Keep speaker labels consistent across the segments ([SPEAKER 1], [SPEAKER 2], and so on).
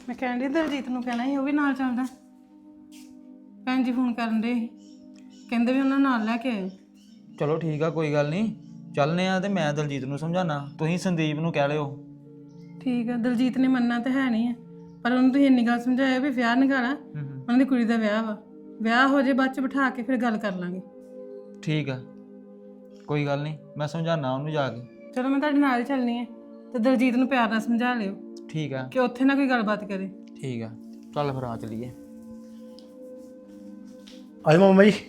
[SPEAKER 1] ਮੈਂ ਕਹਿੰਦੀ ਦਲਜੀਤ ਨੂੰ ਕਹਿਣਾ ਸੀ ਉਹ ਵੀ ਨਾਲ ਚੱਲਦਾ। ਭੈਣ ਜੀ ਫੋਨ ਕਰਨ ਦੇ ਕਹਿੰਦੇ ਵੀ ਉਹਨਾਂ ਨਾਲ ਲੈ ਕੇ ਆਇਓ।
[SPEAKER 2] ਚਲੋ ਠੀਕ ਆ, ਕੋਈ ਗੱਲ ਨਹੀਂ, ਚੱਲਨੇ ਆ। ਤੇ ਮੈਂ ਦਲਜੀਤ ਨੂੰ ਸਮਝਾਣਾ, ਤੁਸੀਂ ਸੰਦੀਪ ਨੂੰ ਕਹਿ ਲਿਓ।
[SPEAKER 1] ਠੀਕ ਆ, ਦਲਜੀਤ ਨੇ ਮੰਨਣਾ ਤਾਂ ਹੈ ਨਹੀਂ ਹੈ, ਪਰ ਉਹਨੂੰ ਤੁਸੀਂ ਇੰਨੀ ਗੱਲ ਸਮਝਾਇਆ ਵੀ ਵਿਆਹ ਨਿਕਾਲਾ, ਉਹਨਾਂ ਦੀ ਕੁੜੀ ਦਾ ਵਿਆਹ ਵਾ, ਵਿਆਹ ਹੋ ਜੇ ਬਾਅਦ ਚ ਬਿਠਾ ਕੇ ਫਿਰ ਗੱਲ ਕਰ ਲਾਂਗੇ।
[SPEAKER 2] ਠੀਕ ਆ, ਕੋਈ ਗੱਲ ਨਹੀਂ, ਮੈਂ ਸਮਝਾਣਾ ਉਹਨੂੰ ਜਾ ਕੇ।
[SPEAKER 1] ਚਲੋ ਮੈਂ ਤੁਹਾਡੇ ਨਾਲ ਹੀ ਚੱਲਣੀ ਹੈ, ਤੇ ਦਲਜੀਤ ਨੂੰ ਪਿਆਰ ਨਾਲ ਸਮਝਾ ਲਿਓ
[SPEAKER 2] ਠੀਕ ਆ,
[SPEAKER 1] ਕਿ ਉੱਥੇ ਨਾ ਕੋਈ ਗੱਲਬਾਤ ਕਰੇ।
[SPEAKER 2] ਠੀਕ ਆ, ਚੱਲ ਫਿਰ ਆ ਚਲੀਏ।
[SPEAKER 3] ਆਏ ਮਾਮਾ ਜੀ।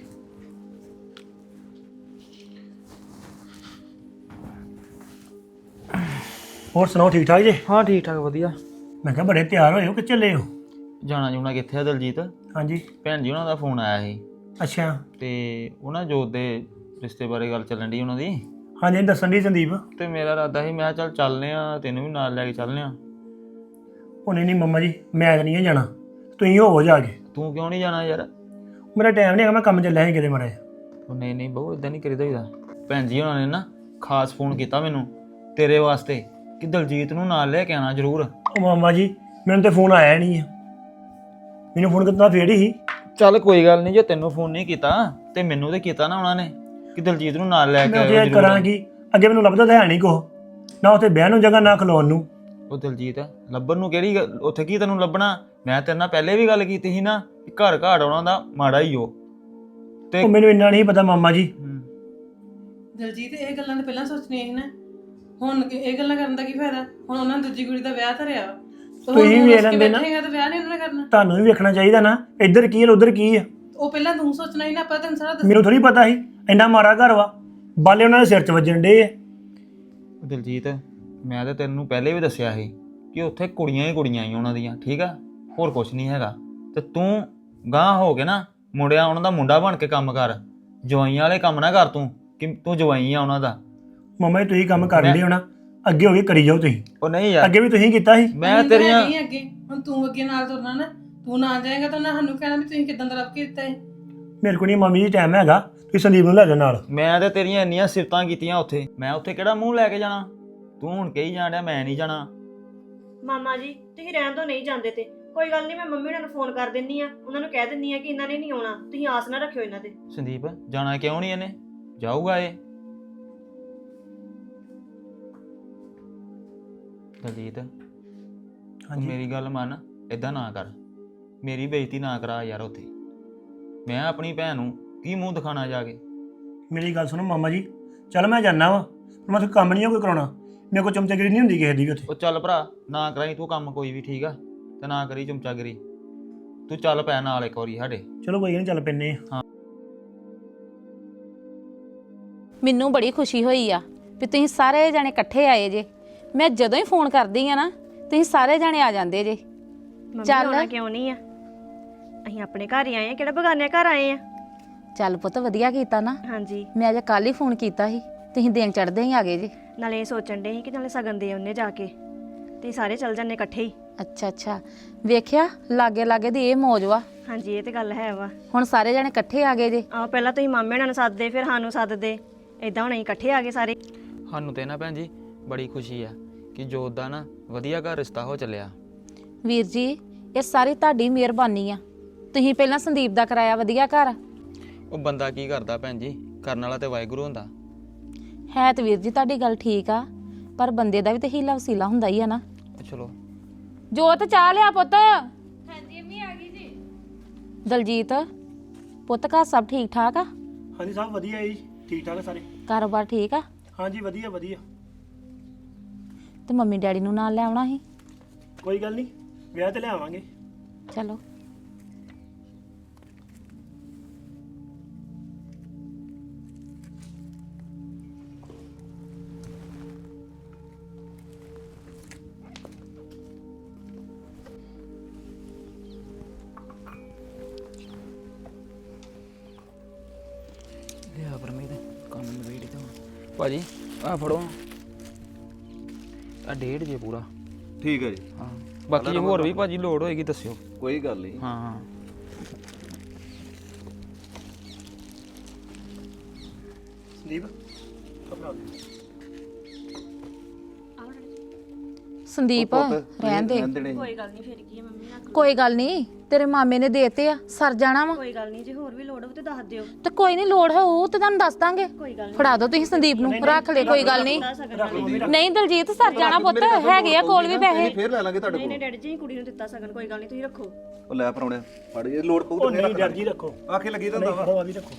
[SPEAKER 3] ਹੋਰ ਸੁਣਾਓ, ਠੀਕ ਠਾਕ ਜੀ?
[SPEAKER 2] ਹਾਂ ਠੀਕ ਠਾਕ, ਵਧੀਆ।
[SPEAKER 3] ਮੈਂ ਕਿਹਾ ਬੜੇ ਤਿਆਰ ਹੋਏ ਹੋ ਕਿ ਚੱਲੇ ਹੋ?
[SPEAKER 2] ਜਾਣਾ ਜੂਣਾ ਕਿੱਥੇ ਆ ਦਲਜੀਤ?
[SPEAKER 3] ਹਾਂਜੀ।
[SPEAKER 2] ਭੈਣ ਜੀ ਉਹਨਾਂ ਦਾ ਫੋਨ ਆਇਆ ਸੀ
[SPEAKER 3] ਅੱਛਾ।
[SPEAKER 2] ਤੇ ਉਹਨਾਂ ਜੋਤ ਦੇ ਰਿਸ਼ਤੇ ਬਾਰੇ ਗੱਲ ਚੱਲਣ ਦੀ ਉਹਨਾਂ ਦੀ।
[SPEAKER 3] ਹਾਂਜੀ, ਦੱਸਣ ਦੀ ਸੰਦੀਪ।
[SPEAKER 2] ਤੇ ਮੇਰਾ ਇਰਾਦਾ ਸੀ, ਮੈਂ ਕਿਹਾ ਚੱਲ ਚੱਲਨੇ ਆ, ਤੈਨੂੰ ਵੀ ਨਾਲ ਲੈ ਕੇ ਚੱਲਨੇ ਆ।
[SPEAKER 3] ਉਹ ਨਹੀਂ ਮਾਮਾ ਜੀ, ਮੈਂ ਤਾਂ ਨਹੀਂ ਜਾਣਾ, ਤੁਸੀਂ ਹੋਵੋ ਜਾ ਕੇ।
[SPEAKER 2] ਤੂੰ ਕਿਉਂ ਨਹੀਂ ਜਾਣਾ ਯਾਰ?
[SPEAKER 3] ਮੇਰਾ ਟਾਈਮ ਨਹੀਂ ਹੈਗਾ, ਮੈਂ ਕੰਮ ਚੱਲਿਆ ਸੀ ਕਿਤੇ ਮਾੜਾ ਜਿਹਾ।
[SPEAKER 2] ਉਹ ਨਹੀਂ ਨਹੀਂ ਬਹੁ, ਇਦਾਂ ਨਹੀਂ ਕਰੀਦਾ ਹੁੰਦਾ। ਭੈਣ ਜੀ ਉਹਨਾਂ ਨੇ ਨਾ ਖਾਸ ਫੋਨ ਕੀਤਾ ਮੈਨੂੰ ਤੇਰੇ ਵਾਸਤੇ ਕਿ ਦਲਜੀਤ ਨੂੰ ਨਾਲ ਲੈ ਕੇ ਆਣਾ ਜ਼ਰੂਰ।
[SPEAKER 3] ਉਹ ਮਾਮਾ ਜੀ, ਮੈਨੂੰ ਤੇ ਫੋਨ ਆਇਆ ਨਹੀਂ ਆ, ਮੈਨੂੰ ਫੋਨ ਕੀਤਾ ਫੇਰ ਹੀ।
[SPEAKER 2] ਚੱਲ ਕੋਈ ਗੱਲ ਨਹੀਂ, ਜੇ ਤੈਨੂੰ ਫੋਨ ਨਹੀਂ ਕੀਤਾ ਤੇ ਮੈਨੂੰ ਤੇ ਕੀਤਾ ਨਾ ਉਹਨਾਂ ਨੇ ਕਿ ਦਲਜੀਤ ਨੂੰ ਨਾਲ ਲੈ ਕੇ
[SPEAKER 3] ਮੈਂ
[SPEAKER 2] ਆਇਓ
[SPEAKER 3] ਉੱਥੇ
[SPEAKER 2] ਜ਼ਰੂਰ।
[SPEAKER 3] ਕਰਾਂਗੀ, ਅੱਗੇ ਮੈਨੂੰ ਲੱਭਦਾ ਤਾਂ ਹੈ ਨਹੀਂ ਕੁਛ, ਨਾ ਉੱਥੇ ਬਹਿਣ ਨੂੰ ਜਗ੍ਹਾ ਨਾ ਖਲੋਣ ਨੂੰ।
[SPEAKER 2] ਉਹ ਦਲਜੀਤ ਲੱਭਣ ਨੂੰ ਕਿਹੜੀ ਉੱਥੇ ਕੀ ਤੈਨੂੰ ਲੱਭਣਾ? ਮੈਂ ਤੇਰੇ ਨਾਲ ਪਹਿਲੇ ਵੀ ਗੱਲ ਕੀਤੀ ਸੀ ਨਾ ਕਿ ਘਰ ਘਾੜ ਆਉਣਾ ਦਾ ਮਾੜਾ ਹੀ ਹੋ। ਤੇ
[SPEAKER 3] ਉਹ ਮੈਨੂੰ ਇੰਨਾ ਨਹੀਂ ਪਤਾ ਮਾਮਾ ਜੀ।
[SPEAKER 1] ਦਲਜੀਤ ਇਹ ਗੱਲਾਂ ਤਾਂ ਪਹਿਲਾਂ ਸੋਚਣੀਆਂ ਸੀ ਨਾ, ਹੁਣ ਇਹ ਗੱਲਾਂ ਕਰਨ ਦਾ ਕੀ ਫਾਇਦਾ? ਹੁਣ ਉਹਨਾਂ ਨੇ ਦੂਜੀ ਕੁੜੀ ਦਾ ਵਿਆਹ ਧਰਿਆ ਵਾ,
[SPEAKER 3] ਤੁਸੀਂ ਵੇਖ ਲੈਂਦੇ ਨਾ,
[SPEAKER 1] ਤਾਂ ਵਿਆਹ ਨਹੀਂ ਉਹਨਾਂ ਨੇ ਕਰਨਾ।
[SPEAKER 3] ਤੁਹਾਨੂੰ ਵੀ ਵੇਖਣਾ ਚਾਹੀਦਾ ਨਾ, ਇੱਧਰ ਕੀ ਹੈ ਉੱਧਰ ਕੀ ਹੈ।
[SPEAKER 1] ਉਹ ਪਹਿਲਾਂ ਤੂੰ ਸੋਚਣਾ ਹੀ ਨਾ, ਆਪਾਂ ਤੈਨੂੰ ਸਾਰਾ
[SPEAKER 3] ਮੈਨੂੰ ਥੋੜੀ ਪਤਾ ਸੀ ਇੰਨਾ ਮਾੜਾ ਘਰ ਵਾ, ਬਾਲੇ ਉਹਨਾਂ ਦੇ ਸਿਰ 'ਚ ਵੱਜਣ ਡੇ ਆ।
[SPEAKER 2] ਦਲਜੀਤ ਮੈਂ ਤਾਂ ਤੈਨੂੰ ਪਹਿਲੇ ਵੀ ਦੱਸਿਆ ਸੀ ਕਿ ਉੱਥੇ ਕੁੜੀਆਂ ਹੀ ਕੁੜੀਆਂ ਹੀ ਉਹਨਾਂ ਦੀਆਂ, ਠੀਕ ਆ, ਹੋਰ ਕੁਝ ਨਹੀਂ ਹੈਗਾ। ਤੇ ਤੂੰ ਗਾਂਹ ਹੋ ਕੇ ਨਾ ਮੁੰਡਿਆਂ ਉਹਨਾਂ ਦਾ ਮੁੰਡਾ ਬਣ ਕੇ ਕੰਮ ਕਰ, ਜਵਾਈਆਂ ਵਾਲੇ ਕੰਮ ਨਾ ਕਰ ਤੂੰ ਕਿ ਤੂੰ ਜਵਾਈ ਆ ਉਹਨਾਂ ਦਾ।
[SPEAKER 3] ਮੰਮਾ ਜੀ ਤੁਸੀਂ ਕੰਮ ਕਰ ਲਿਓ ਹੋਣਾ, ਅੱਗੇ ਹੋ ਕੇ ਕਰੀ ਜਾਓ ਤੁਸੀਂ।
[SPEAKER 2] ਉਹ ਨਹੀਂ ਯਾਰ,
[SPEAKER 3] ਅੱਗੇ ਵੀ ਤੁਸੀਂ ਕੀਤਾ ਸੀ।
[SPEAKER 2] ਮੈਂ ਤੇਰੀਆਂ
[SPEAKER 1] ਨਹੀਂ ਅੱਗੇ, ਹੁਣ ਤੂੰ ਅੱਗੇ ਨਾਲ ਤੁਰਨਾ ਨਾ, ਤੂੰ ਨਾ ਜਾਏਗਾ ਤਾਂ ਉਹਨਾਂ ਸਾਨੂੰ ਕਹਿਣਾ ਵੀ ਤੁਸੀਂ ਕਿਦਾਂ ਦਾ ਲੱਭ ਕੇ ਦਿੱਤਾ ਹੈ।
[SPEAKER 3] ਮੇਰੇ ਕੋਲ ਨਹੀਂ ਮੰਮੀ ਜੀ ਟਾਈਮ ਹੈਗਾ, ਤੁਸੀਂ ਸੰਦੀਪ ਨੂੰ ਲੈ ਜਾਓ ਨਾਲ।
[SPEAKER 2] ਮੈਂ ਤੇ ਤੇਰੀਆਂ ਇੰਨੀਆਂ ਸਿਫਤਾਂ ਕੀਤੀਆਂ ਉੱਥੇ, ਮੈਂ ਉੱਥੇ ਕਿਹੜਾ ਮੂੰਹ ਲੈ ਕੇ ਜਾਣਾ? ਤੂੰ ਹੁਣ ਕਹੀ ਜਾਣ ਡਿਆ ਮੈਂ ਨਹੀਂ ਜਾਣਾ।
[SPEAKER 4] ਮਾਮਾ ਜੀ ਤੁਸੀਂ ਰਹਿਣ ਤੋਂ ਨਹੀਂ ਜਾਂਦੇ ਤੇ ਕੋਈ ਗੱਲ ਨਹੀਂ, ਮੈਂ ਮੰਮੀ ਉਹਨਾਂ ਨੂੰ ਫੋਨ ਕਰ ਦਿੰਨੀ ਆ, ਉਹਨਾਂ ਨੂੰ ਕਹਿ ਦਿੰਨੀ ਆ ਕਿ ਇਹਨਾਂ ਨੇ ਨਹੀਂ ਆਉਣਾ, ਤੁਸੀਂ ਆਸ ਨਾ ਰੱਖਿਓ ਇਹਨਾਂ ਤੇ।
[SPEAKER 2] ਸੰਦੀਪ ਜਾਣਾ ਕਿਉਂ ਨਹੀਂ ਇਹਨੇ? ਜਾਊਗਾ ਇਹ। ਦਲਜੀਤ ਤੂੰ ਮੇਰੀ ਗੱਲ ਮੰਨ, ਏਦਾਂ ਨਾ ਕਰ, ਮੇਰੀ ਬੇਇੱਜ਼ਤੀ ਨਾ ਕਰਾ ਯਾਰ ਉੱਥੇ। ਮੈਂ ਆਪਣੀ ਭੈਣ ਨੂੰ ਕੀ ਮੂੰਹ ਦਿਖਾਣਾ ਜਾ ਕੇ?
[SPEAKER 3] ਮੇਰੀ ਗੱਲ ਸੁਣੋ ਮਾਮਾ ਜੀ, ਚੱਲ ਮੈਂ ਜਾਣਾ ਵਾ, ਮੈਂ ਉੱਥੇ ਕੰਮ ਨਹੀਂ ਕੋਈ ਕਰਾਉਣਾ, ਮੇਰੇ ਕੋਲ ਚਮਚਾਗਿਰੀ ਨਹੀਂ ਹੁੰਦੀ ਕਿਸੇ ਦੀ ਵੀ ਉੱਥੇ।
[SPEAKER 2] ਉਹ ਚੱਲ ਭਰਾ, ਨਾ ਕਰਾਈ ਤੂੰ ਕੰਮ ਕੋਈ ਵੀ, ਠੀਕ ਆ, ਤੇ ਨਾ ਕਰੀ ਚਮਚਾਗਿਰੀ। ਤੂੰ ਚੱਲ ਪੈ ਨਾਲ ਇੱਕ ਵਾਰੀ ਸਾਡੇ।
[SPEAKER 3] ਚਲੋ ਕੋਈ ਨਹੀਂ, ਚੱਲ ਪੈਨੇ ਆ।
[SPEAKER 5] ਮੈਨੂੰ ਬੜੀ ਖੁਸ਼ੀ ਹੋਈ ਆ ਵੀ ਤੁਸੀਂ ਸਾਰੇ ਜਾਣੇ ਇਕੱਠੇ ਆਏ ਜੇ। ਮੈਂ ਜਦੋਂ ਹੀ ਫੋਨ ਕਰਦੀ ਆ ਨਾ, ਤੁਸੀਂ ਸਾਰੇ ਜਾਣੇ ਆ ਜਾਂਦੇ ਜੇ।
[SPEAKER 4] ਚੱਲ ਆਉਣਾ ਕਿਉਂ ਨਹੀਂ ਆ, ਅਸੀਂ ਆਪਣੇ ਘਰ ਹੀ ਆਏ ਆ, ਕਿਹੜਾ ਬਗਾਨੇ ਘਰ ਆਏ ਆ।
[SPEAKER 5] ਚੱਲ ਪੁੱਤ ਵਧੀਆ ਕੀਤਾ ਨਾ,
[SPEAKER 4] ਹਾਂਜੀ,
[SPEAKER 5] ਮੈਂ ਅੱਜ ਕੱਲ ਹੀ ਫੋਨ ਕੀਤਾ ਸੀ, ਤੁਸੀਂ ਦਿਨ ਚੜ੍ਹਦੇ ਹੀ ਆ ਗਏ ਜੇ।
[SPEAKER 4] ਨਾਲੇ ਇਹ ਸੋਚਣ ਦੇ ਸੀ ਕਿ ਨਾਲੇ ਸਗਨ ਦੇ ਉਹਨੇ ਜਾ ਕੇ ਤੇ ਸਾਰੇ ਚੱਲ ਜਾਂਦੇ ਇਕੱਠੇ ਹੀ।
[SPEAKER 5] ਅੱਛਾ ਅੱਛਾ, ਵੇਖਿਆ ਲਾਗੇ ਲਾਗੇ ਦੀ ਇਹ ਮੌਜ ਵਾ।
[SPEAKER 4] ਹਾਂਜੀ ਇਹ ਤੇ ਗੱਲ ਹੈ ਵਾ।
[SPEAKER 5] ਹੁਣ ਸਾਰੇ ਜਾਣੇ ਇਕੱਠੇ ਆ ਗਏ ਜੇ।
[SPEAKER 4] ਆਹ ਪਹਿਲਾਂ ਤੁਸੀਂ ਮਾਮੇ ਨਾਲ ਸੱਦਦੇ, ਫਿਰ ਸਾਨੂੰ ਸੱਦਦੇ, ਏਦਾਂ ਹੁਣ ਅਸੀਂ ਇਕੱਠੇ ਆ ਗਏ ਸਾਰੇ।
[SPEAKER 2] ਸਾਨੂੰ ਤੇ ਨਾ ਭੈਣ ਜੀ ਬੜੀ ਖੁਸ਼ੀ ਆ ਕਿ ਜੋਤ ਦਾ ਨਾ ਵਧੀਆ ਘਰ ਰਿਸ਼ਤਾ ਹੋ ਚੱਲਿਆ।
[SPEAKER 5] ਵੀਰ ਜੀ ਇਹ ਸਾਰੀ ਤੁਹਾਡੀ ਮਿਹਰਬਾਨੀ ਆ, ਤੁਸੀਂ ਪਹਿਲਾਂ ਸੰਦੀਪ ਦਾ ਕਰਾਇਆ ਵਧੀਆ ਘਰ।
[SPEAKER 2] ਉਹ ਬੰਦਾ ਕੀ ਕਰਦਾ ਭੈਣ ਜੀ, ਕਰਨ ਵਾਲਾ ਤੇ ਵਾਹਿਗੁਰੂ ਹੁੰਦਾ।
[SPEAKER 5] ਹੈ ਤੇ ਵੀਰ ਜੀ ਤੁਹਾਡੀ ਗੱਲ ਠੀਕ ਆ, ਪਰ ਬੰਦੇ ਦਾ ਵੀ ਤੇ ਹੀਲਾ ਵਸੀਲਾ ਹੁੰਦਾ ਹੀ ਆ ਨਾ।
[SPEAKER 2] ਚਲੋ
[SPEAKER 5] ਜੋਤ ਚਾਹ ਲਿਆ ਪੁੱਤ। ਹਾਂਜੀ ਅੰਮੀ ਆ ਗਈ ਜੀ। ਦਲਜੀਤ ਪੁੱਤ ਘਰ ਸਭ ਠੀਕ ਠਾਕ ਆ?
[SPEAKER 3] ਹਾਂਜੀ ਸਭ ਵਧੀਆ ਜੀ, ਠੀਕ ਠਾਕ ਸਾਰੇ।
[SPEAKER 5] ਕਾਰੋਬਾਰ ਠੀਕ ਆ?
[SPEAKER 3] ਹਾਂਜੀ ਵਧੀਆ ਵਧੀਆ।
[SPEAKER 5] ਤੇ ਮੰਮੀ ਡੈਡੀ ਨੂੰ ਨਾਲ ਲੈ ਆਉਣਾ ਸੀ।
[SPEAKER 3] ਕੋਈ ਗੱਲ ਨਹੀਂ, ਵਿਆਹ ਤੇ ਲਿਆਵਾਂਗੇ।
[SPEAKER 5] ਚਲੋ
[SPEAKER 2] ਲਿਆ ਪਰਮੀਤ ਕੰਮ ਨਵੇੜੀ ਤਾਂ ਭਾਜੀ ਆ ਫੜੋ ਆ 1.5 ਜੇ ਪੂਰਾ।
[SPEAKER 6] ਠੀਕ ਹੈ ਜੀ।
[SPEAKER 2] ਹਾਂ ਬਾਕੀ ਜੇ ਹੋਰ ਵੀ ਭਾਜੀ ਲੋੜ ਹੋਏਗੀ ਦੱਸਿਓ।
[SPEAKER 6] ਕੋਈ ਗੱਲ ਨਹੀਂ।
[SPEAKER 2] ਹਾਂ ਹਾਂ
[SPEAKER 3] ਸੰਦੀਪ ਆਪਣਾ
[SPEAKER 5] ਸੰਦੀਪ ਰਹਿਣ ਦੇ
[SPEAKER 4] ਕੋਈ ਗੱਲ ਨਹੀਂ, ਫਿਰ ਕੀ ਹੈ ਮੰਮੀ ਨਾਲ।
[SPEAKER 5] ਕੋਈ ਗੱਲ ਨਹੀਂ, ਤੇਰੇ ਮਾਮੇ ਨੇ ਦੇਤੇ ਆ, ਸਰ ਜਾਣਾ ਵਾ।
[SPEAKER 4] ਕੋਈ ਗੱਲ ਨਹੀਂ, ਜੇ ਹੋਰ ਵੀ ਲੋੜ ਹੋਵੇ ਤੇ ਦੱਸ ਦਿਓ।
[SPEAKER 5] ਤੇ ਕੋਈ ਨਹੀਂ, ਲੋੜ ਹੋਊ ਤੇ ਤੁਹਾਨੂੰ ਦੱਸ ਦਾਂਗੇ।
[SPEAKER 4] ਕੋਈ ਗੱਲ
[SPEAKER 5] ਫੜਾ ਦਿਓ ਤੁਸੀਂ ਸੰਦੀਪ ਨੂੰ, ਰੱਖ ਲੈ, ਕੋਈ ਗੱਲ ਨਹੀਂ। ਨਹੀਂ ਦਲਜੀਤ, ਸਰ ਜਾਣਾ ਪੁੱਤ, ਹੈਗੇ ਆ ਕੋਲ ਵੀ ਪੈਸੇ।
[SPEAKER 6] ਫੇਰ ਲੈ ਲਾਂਗੇ ਤੁਹਾਡੇ
[SPEAKER 4] ਨਹੀਂ ਡੈਡੀ ਜੀ, ਕੁੜੀ ਨੂੰ ਦਿੱਤਾ ਸਗਨ, ਕੋਈ ਗੱਲ ਨਹੀਂ, ਤੁਸੀਂ ਰੱਖੋ।
[SPEAKER 6] ਕੋਲ। ਉਹ ਲੈ ਪਰਾਉਣੇ ਫੜ ਜੇ ਲੋੜ ਪਊ
[SPEAKER 3] ਉਹ ਨਹੀਂ ਡਰ ਜੀ ਰੱਖੋ,
[SPEAKER 6] ਆਖੇ ਲੱਗੀ ਤਾਂ ਹੁੰਦਾ ਵਾ।
[SPEAKER 3] ਉਹ ਆ ਵੀ ਰੱਖੋ।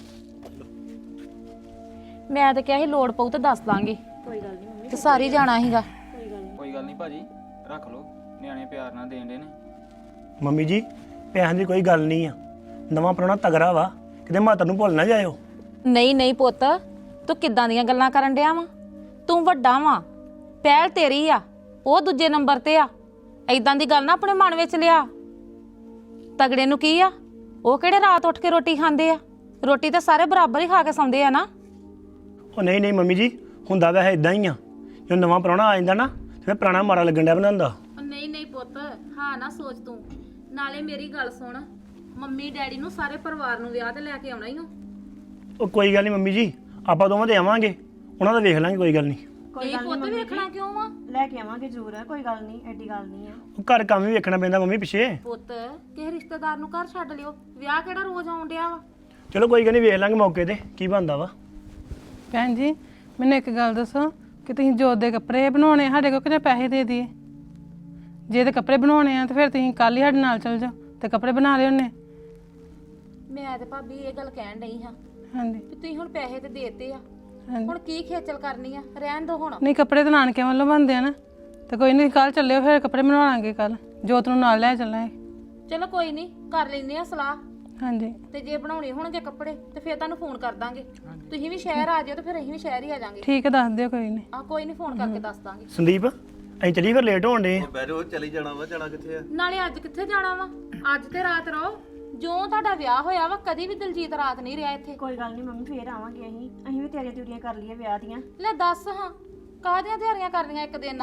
[SPEAKER 5] ਮੈਂ ਤਾਂ ਕਿਹਾ ਸੀ ਲੋੜ ਪਊ ਤੇ ਦੱਸ ਦਾਂਗੇ,
[SPEAKER 4] ਕੋਈ ਗੱਲ ਨਹੀਂ ਮੰਮੀ,
[SPEAKER 5] ਤੇ ਸਾਰੀ ਜਾਣਾ ਸੀਗਾ।
[SPEAKER 4] ਕੋਈ ਗੱਲ ਨਹੀਂ।
[SPEAKER 2] ਕੋਈ ਗੱਲ ਨਹੀਂ ਭਾਜੀ, ਰੱਖ ਲਓ, ਨਿਆਣੇ ਪਿਆਰ ਨਾਲ ਦੇਣ ਦੇ ਨੇ।
[SPEAKER 3] ਮੰਮੀ ਜੀ ਪੈਸਿਆਂ ਦੀ ਕੋਈ ਗੱਲ ਨਹੀਂ ਆ, ਨਵਾਂ ਪੁਰਾਣਾ ਤਗੜਾ ਵਾ, ਕਿਤੇ ਮਾਤਾ ਨੂੰ ਭੁੱਲ ਨਾ ਜਾਇਓ।
[SPEAKER 5] ਨਹੀਂ ਨਹੀਂ ਪੁੱਤ, ਤੂੰ ਕਿੱਦਾਂ ਦੀਆਂ ਗੱਲਾਂ ਕਰਨ ਡਿਆ ਵਾ? ਤੂੰ ਵੱਡਾ ਵਾ, ਪਹਿਲ ਤੇਰੀ ਆ, ਉਹ ਦੂਜੇ ਨੰਬਰ ਤੇ ਆ। ਐਦਾਂ ਦੀ ਗੱਲ ਨਾ ਆਪਣੇ ਮਨ ਵਿੱਚ ਲਿਆ। ਤਗੜੇ ਨੂੰ ਕੀ ਆ, ਉਹ ਕਿਹੜੇ ਰਾਤ ਉੱਠ ਕੇ ਰੋਟੀ ਖਾਂਦੇ ਆ? ਰੋਟੀ ਤਾਂ ਸਾਰੇ ਬਰਾਬਰ ਹੀ ਖਾ ਕੇ ਸੌਂਦੇ ਆ ਨਾ।
[SPEAKER 3] ਉਹ ਨਹੀਂ ਨਹੀਂ ਮੰਮੀ ਜੀ, ਹੁੰਦਾ ਵੈਸੇ ਇਦਾਂ ਹੀ ਆ, ਜਦੋਂ ਨਵਾਂ ਪੁਰਾਣਾ ਆ ਜਾਂਦਾ ਨਾ ਤੇ ਫਿਰ ਪੁਰਾਣਾ ਮਾਰਾ ਲੱਗਣ ਡਿਆ ਬਣਾਉਂਦਾ।
[SPEAKER 5] ਨਹੀਂ ਨਹੀਂ ਪੁੱਤ, ਹਾਂ ਨਾ ਸੋਚ ਤੂੰ। ਨਾਲੇ ਮੇਰੀ ਗੱਲ ਸੁਣ, ਮੰਮੀ ਡੈਡੀ ਨੂੰ ਸਾਰੇ ਪਰਿਵਾਰ ਨੂੰ ਵਿਆਹ ਤੇ ਲੈ ਕੇ ਆਉਣਾ ਹੀ ਹੋ।
[SPEAKER 3] ਉਹ ਕੋਈ ਗੱਲ ਨਹੀਂ ਮੰਮੀ ਜੀ, ਆਪਾਂ ਦੋਵਾਂ ਤੇ ਆਵਾਂਗੇ, ਉਹਨਾਂ ਦਾ ਵੇਖ ਲਾਂਗੇ, ਕੋਈ ਗੱਲ ਨਹੀਂ।
[SPEAKER 4] ਕੋਈ ਗੱਲ
[SPEAKER 5] ਪੁੱਤ ਵੇਖਣਾ ਕਿਉਂ ਆ?
[SPEAKER 4] ਲੈ ਕੇ ਆਵਾਂਗੇ ਜ਼ਰੂਰ, ਕੋਈ ਗੱਲ ਨਹੀਂ, ਐਡੀ ਗੱਲ ਨਹੀਂ ਆ।
[SPEAKER 3] ਉਹ ਘਰ ਕੰਮ ਵੀ ਵੇਖਣਾ ਪੈਂਦਾ ਮੰਮੀ ਪਿੱਛੇ।
[SPEAKER 5] ਪੁੱਤ ਕਿਸੇ ਰਿਸ਼ਤੇਦਾਰ ਨੂੰ ਘਰ ਛੱਡ ਲਿਓ, ਵਿਆਹ ਕਿਹੜਾ ਰੋਜ਼ ਆਉਣ ਡਿਆ ਵਾ।
[SPEAKER 3] ਚਲੋ ਕੋਈ ਗੱਲ ਨਹੀਂ, ਵੇਖ ਲਾਂਗੇ ਮੌਕੇ ਤੇ ਕੀ ਬਣਦਾ ਵਾ।
[SPEAKER 1] ਭੈਣ ਜੀ ਮੈਨੂੰ ਇੱਕ ਗੱਲ ਦੱਸੋ ਕਿ ਤੁਸੀਂ ਜੋਤ ਦੇ ਕੱਪੜੇ ਬਣਾਉਣੇ ਸਾਡੇ ਕੋਲ ਕਿੰਨੇ ਪੈਸੇ ਦੇ ਦਈਏ? ਜੇ ਤੇ ਕੱਪੜੇ ਬਣਾਉਣੇ ਆ ਤਾਂ ਫਿਰ ਤੁਸੀਂ ਕੱਲ ਹੀ ਸਾਡੇ ਨਾਲ ਚੱਲ ਜਾਓ ਤੇ ਕੱਪੜੇ ਬਣਾ ਲਿਓ ਉਹਨੇ।
[SPEAKER 5] ਮੈਂ ਤੇ ਭਾਬੀ ਇਹ ਗੱਲ ਕਹਿਣ ਡਈ ਹਾਂ
[SPEAKER 1] ਹਾਂਜੀ
[SPEAKER 5] ਵੀ ਤੁਸੀਂ ਹੁਣ ਪੈਸੇ ਤੇ ਦੇਤੇ ਆ,
[SPEAKER 1] ਹਾਂਜੀ।
[SPEAKER 5] ਹੁਣ ਕੀ ਖੇਚਲ ਕਰਨੀ ਆ? ਰਹਿਣ ਦੋ ਹੁਣ।
[SPEAKER 1] ਨਹੀਂ ਕੱਪੜੇ ਤਾਂ ਨਾਨਕਿਆਂ ਵੱਲੋਂ ਬਣਦੇ ਆ ਨਾ, ਤੇ ਕੋਈ ਨਹੀਂ ਕੱਲ ਚੱਲਿਓ, ਫਿਰ ਕੱਪੜੇ ਬਣਵਾਵਾਂਗੇ ਕੱਲ, ਜੋਤ ਨੂੰ ਨਾਲ ਲੈ ਚੱਲਾਂਗੇ।
[SPEAKER 5] ਚਲੋ ਕੋਈ ਨਹੀਂ, ਕਰ ਲੈਂਦੇ ਆ ਸਲਾਹ।
[SPEAKER 1] ਹਾਂਜੀ
[SPEAKER 5] ਤੇ ਜੇ ਬਣਾਉਣੇ ਹੋਣਗੇ ਕੱਪੜੇ ਤੇ ਫਿਰ ਤੁਹਾਨੂੰ ਫੋਨ ਕਰ ਦਾਂਗੇ। ਤੁਸੀਂ ਵੀ ਸ਼ਹਿਰ ਆ ਜਾਓ ਤੇ ਫਿਰ ਅਸੀਂ ਵੀ ਸ਼ਹਿਰ ਹੀ ਆ ਜਾਾਂਗੇ।
[SPEAKER 1] ਠੀਕ ਹੈ, ਦੱਸ ਦਿਓ, ਕੋਈ ਨਹੀਂ।
[SPEAKER 5] ਆ ਕੋਈ ਨਹੀਂ, ਫੋਨ ਕਰਕੇ ਦੱਸ ਦਾਂਗੇ।
[SPEAKER 3] ਸੰਦੀਪ ਅਸੀਂ ਚੱਲੀ ਫਿਰ ਲੇਟ ਹੋਣ ਡੇ।
[SPEAKER 6] ਬਹਿ ਜਾਓ, ਚਲੀ ਜਾਣਾ ਵਾ, ਜਾਣਾ ਕਿੱਥੇ ਆ?
[SPEAKER 5] ਨਾਲੇ ਅੱਜ ਕਿੱਥੇ ਜਾਣਾ ਵਾ? ਅੱਜ ਤੇ ਰਾਤ ਰਹੋ। ਜੋ ਤੁਹਾਡਾ ਵਿਆਹ ਹੋਇਆ ਵਾ, ਕਦੀ ਵੀ ਦਲਜੀਤ ਰਾਤ ਨਹੀਂ ਰਿਹਾ ਇੱਥੇ।
[SPEAKER 4] ਕੋਈ ਗੱਲ ਨਹੀਂ ਮੰਮੀ, ਫੇਰ ਆਵਾਂਗੇ ਅਸੀਂ ਵੀ ਤਿਆਰੀਆਂ ਕਰ ਲਈਏ ਵਿਆਹ ਦੀਆਂ।
[SPEAKER 5] ਲੈ ਦੱਸ ਹਾਂ, ਕਾਹਦੀਆਂ ਤਿਆਰੀਆਂ ਕਰਨੀਆਂ ਇੱਕ ਦਿਨ?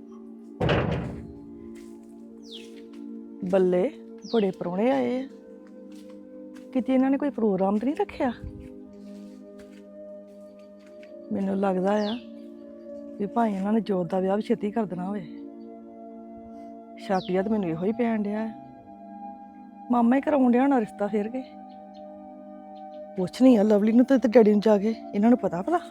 [SPEAKER 7] ਬੱਲੇ ਬੜੇ ਪ੍ਰਾਹੁਣੇ ਆਏ ਆ, ਕਿਤੇ ਇਹਨਾਂ ਨੇ ਕੋਈ ਪ੍ਰੋਗਰਾਮ ਤਾਂ ਨਹੀਂ ਰੱਖਿਆ? ਮੈਨੂੰ ਲੱਗਦਾ ਆ ਵੀ ਭਾਈ ਇਹਨਾਂ ਨੇ ਜੋਤ ਦਾ ਵਿਆਹ ਵੀ ਛੇਤੀ ਕਰ ਦੇਣਾ ਹੋਵੇ। ਸ਼ੱਕ ਜਿਹਾ ਤਾਂ ਮੈਨੂੰ ਇਹੋ ਹੀ ਪੈਣ ਡਿਆ ਹੈ। ਮਾਮਾ ਹੀ ਕਰਾਉਣ ਡਿਆ ਹੋਣਾ ਰਿਸ਼ਤਾ ਫੇਰ ਕੇ। ਪੁੱਛਣੀ ਆ ਲਵਲੀ ਨੂੰ ਤੇ ਡੈਡੀ ਨੂੰ ਜਾ ਕੇ, ਇਹਨਾਂ ਨੂੰ ਪਤਾ ਭਲਾ।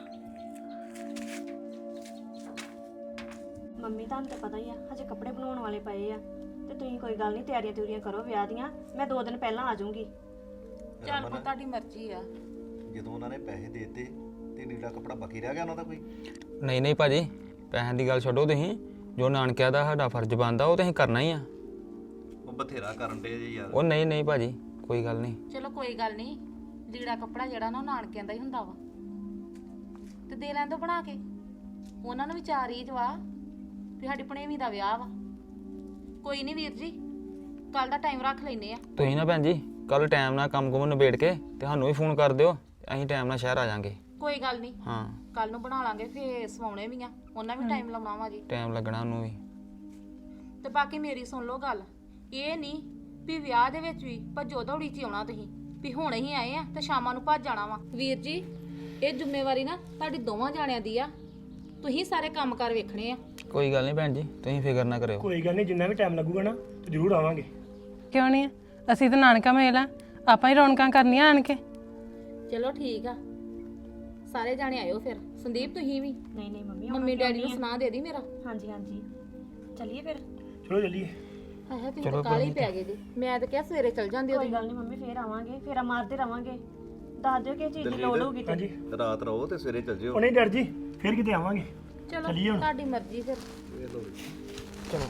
[SPEAKER 4] ਮੰਮੀ ਤੁਹਾਨੂੰ ਤਾਂ ਪਤਾ ਹੀ ਆ, ਹਜੇ ਕੱਪੜੇ ਬਣਾਉਣ ਵਾਲੇ ਪਏ ਆ, ਤੇ ਤੁਸੀਂ ਕੋਈ ਗੱਲ ਨਹੀਂ, ਤਿਆਰੀਆਂ ਕਰੋ ਵਿਆਹ ਦੀਆਂ। ਮੈਂ 2 ਦਿਨ ਪਹਿਲਾਂ ਆ ਜਾਊਂਗੀ।
[SPEAKER 5] ਚੱਲ ਪੁੱਤ, ਤੁਹਾਡੀ ਮਰਜ਼ੀ ਆ।
[SPEAKER 6] ਜਦੋਂ ਉਹਨਾਂ ਨੇ ਪੈਸੇ ਦੇਤੇ ਤੇ ਨੀਲਾ ਕਪੜਾ ਬਾਕੀ ਰਹਿ ਗਿਆ ਉਹਨਾਂ ਦਾ ਕੋਈ?
[SPEAKER 2] ਨਹੀਂ ਨਹੀਂ ਭਾਜੀ, ਪੈਸਿਆਂ ਦੀ ਗੱਲ ਛੱਡੋ, ਤੁਸੀਂ ਜੋ ਨਾਨਕਿਆਂ ਦਾ ਸਾਡਾ ਫਰਜ਼ ਬਣਦਾ ਉਹ ਤੁਸੀਂ ਕਰਨਾ ਹੀ ਆ।
[SPEAKER 6] ਉਹ ਬਥੇਰਾ ਕਰਨ ਦੇ ਜੀ ਯਾਰ।
[SPEAKER 2] ਉਹ ਨਹੀਂ ਨਹੀਂ ਭਾਜੀ, ਕੋਈ ਗੱਲ ਨਹੀਂ।
[SPEAKER 5] ਚਲੋ ਕੋਈ ਗੱਲ ਨਹੀਂ, ਲੀੜਾ ਕੱਪੜਾ ਜਿਹੜਾ ਨਾ ਉਹ ਨਾਨਕਿਆਂ ਦਾ ਹੀ ਹੁੰਦਾ ਵਾ, ਤੇ ਦੇ ਲੈਣ ਦੋ ਬਣਾ ਕੇ। ਉਹਨਾਂ ਨੂੰ ਵੀ ਚਾਰ ਰੀਝ ਵਾ ਵੀ ਸਾਡੀ ਭਣੇਵੀਂ ਦਾ ਵਿਆਹ ਵਾ। ਕੋਈ ਨਹੀਂ ਵੀਰ ਜੀ, ਕੱਲ ਦਾ ਟਾਈਮ ਰੱਖ ਲੈਨੇ ਆ।
[SPEAKER 2] ਤੁਸੀਂ ਨਾ ਭੈਣ ਜੀ ਕੱਲ ਟਾਈਮ ਨਾਲ ਕੰਮ ਕੁਮ ਨਿਬੇੜ ਕੇ ਤੇ ਸਾਨੂੰ ਵੀ ਫੋਨ ਕਰ ਦਿਓ, ਅਸੀਂ ਟਾਈਮ ਨਾਲ ਸ਼ਹਿਰ ਆ ਜਾਾਂਗੇ।
[SPEAKER 5] ਕੋਈ ਗੱਲ ਨਹੀਂ,
[SPEAKER 2] ਹਾਂ
[SPEAKER 5] ਕੱਲ ਨੂੰ ਬਣਾ ਲਾਂਗੇ, ਫੇਰ ਸਵਾਉਣੇ ਵੀ ਆ, ਉਹਨਾਂ ਵੀ ਟਾਈਮ ਲਾਉਣਾ ਵਾ ਜੀ।
[SPEAKER 2] ਟਾਈਮ ਲੱਗਣਾ ਉਹਨੂੰ ਵੀ।
[SPEAKER 5] ਤੇ ਬਾਕੀ ਮੇਰੀ ਸੁਣ ਲਓ ਗੱਲ, ਇਹ ਨਹੀਂ ਵੀ ਵਿਆਹ ਦੇ ਵਿੱਚ ਵੀ ਭੱਜੋ ਦੌੜੀ ਚ ਆਉਣਾ ਤੁਸੀਂ ਵੀ ਹੁਣੇ ਹੀ ਆਏ ਆ ਤੇ ਸ਼ਾਮਾਂ ਨੂੰ ਭੱਜ ਜਾਣਾ ਵਾ। ਵੀਰ ਜੀ, ਇਹ ਜ਼ਿੰਮੇਵਾਰੀ ਨਾ ਤੁਹਾਡੀ ਦੋਵਾਂ ਜਾਣਿਆਂ ਦੀ ਆ, ਤੁਸੀਂ ਸਾਰੇ ਕੰਮ ਕਾਰ ਵੇਖਣੇ ਆ।
[SPEAKER 2] ਕੋਈ ਗੱਲ ਨਹੀਂ ਭੈਣ ਜੀ, ਤੁਸੀਂ ਫਿਕਰ ਨਾ ਕਰਿਓ।
[SPEAKER 3] ਕੋਈ ਗੱਲ ਨਹੀਂ, ਜਿੰਨਾ ਵੀ ਟਾਈਮ ਲੱਗੂਗਾ ਨਾ ਤੇ ਜ਼ਰੂਰ ਆਵਾਂਗੇ।
[SPEAKER 1] ਕਿਉਂ ਨਹੀਂ? ਅਸੀਂ ਤਾਂ ਨਾਨਕਾ ਮੇਲ ਆ, ਆਪਾਂ ਹੀ ਰੌਣਕਾਂ ਕਰਨੀਆਂ ਆਣ ਕੇ।
[SPEAKER 5] ਚਲੋ ਠੀਕ ਆ, ਸਾਰੇ ਜਾਣੇ ਆਇਓ ਫਿਰ। ਸੰਦੀਪ ਤੁਸੀਂ ਵੀ।
[SPEAKER 4] ਨਹੀਂ ਨਹੀਂ ਮੰਮੀ,
[SPEAKER 5] ਮੰਮੀ ਡੈਡੀ ਨੂੰ ਸੁਣਾ ਦੇ ਦੀ ਮੇਰਾ।
[SPEAKER 4] ਹਾਂਜੀ ਚੱਲੀਏ ਫਿਰ।
[SPEAKER 3] ਚਲੋ ਚੱਲੀਏ।
[SPEAKER 5] ਆਹ ਤੁਸੀਂ ਤਾਂ ਕਾਹਲੀ ਪੈ ਗਏ ਜੀ। ਮੈਂ ਤਾਂ ਕਿਹਾ ਸਵੇਰੇ ਚੱਲ ਜਾਂਦੇ
[SPEAKER 4] ਕੋਈ ਗੱਲ ਨਹੀਂ ਮੰਮੀ, ਫੇਰ ਆਵਾਂਗੇ, ਫੇਰਾ ਮਾਰਦੇ ਰਵਾਂਗੇ। ਦੱਸ ਦਿਓ ਕਿ ਚੀਜ਼ ਦੀ ਲੋੜ ਹੋਊਗੀ ਤੇ।
[SPEAKER 3] ਹਾਂਜੀ
[SPEAKER 6] ਰਾਤ ਰਹੋ ਤੇ ਸਵੇਰੇ ਚੱਲ ਜਿਓ।
[SPEAKER 3] ਉਹ ਨਹੀਂ ਡਰ ਜੀ, ਫਿਰ ਕਿਤੇ ਆਵਾਂਗੇ।
[SPEAKER 5] ਚਲੋ
[SPEAKER 3] ਚੱਲੀਏ ਹੁਣ।
[SPEAKER 5] ਤੁਹਾਡੀ ਮਰਜ਼ੀ ਫਿਰ।
[SPEAKER 2] ਚਲੋ